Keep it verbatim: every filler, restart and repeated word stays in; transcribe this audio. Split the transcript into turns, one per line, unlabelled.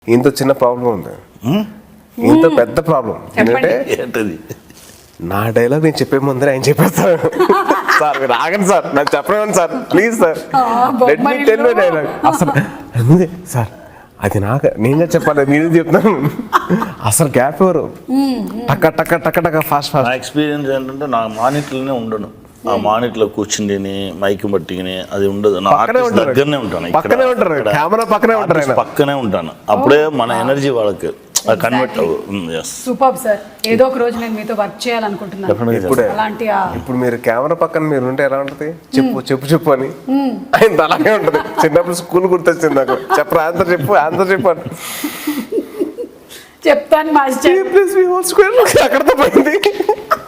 ఇంత చిన్న ప్రాబ్లం ఉంది, ఇంత పెద్ద ప్రాబ్లం ఏంటంటే నా డైలాగ్ నేను చెప్పే ముందర ఆయన చెప్పేస్తాను. సార్ మీరు ఆగండి సార్, నాకు చెప్పలేను sir, please sir, let me tell my dialogue. అసలు అంతే సార్, అది నాకు నేనే చెప్పాలి, నేనే చెప్తాను. అసలు గ్యాప్ ఎవరు టక్క టక్క టక్క టక్క ఫాస్ట్ ఫాస్ట్.
నా ఎక్స్పీరియన్స్ ఏంటంటే నా మానిటర్లోనే ఉండను, ఆ మానిటర్ కూర్చుండి మైక్ పట్టుకుని అది ఉండదు. నా ఆర్టిస్ట్ దగ్గరనే ఉంటాను,
పక్కనే ఉంటారు, కెమెరా పక్కనే ఉంటారు,
పక్కనే ఉంటాను. అప్పుడే మన ఎనర్జీ వాళ్ళకి కన్వర్ట్ అవుతుంది.
సూపర్ సార్, ఏదో ఒక రోజు నేను మీతో వర్క్ చేయాలనుకుంటున్నాను.
ఇప్పుడే ఇప్పుడు మీరు కెమెరా పక్కన మీరు ఉంటే ఎలా ఉంటది, చెప్పు చెప్పు చెప్పు అని ఆయన అలాగే ఉంటది. చిన్నప్పుడు స్కూల్ గుర్తొచ్చింది నాకు, చెప్పరా ఆన్సర్ చెప్పు ఆన్సర్ చెప్పు అని
చెప్తాను మాస్టర్.
అక్కడతో పోయింది.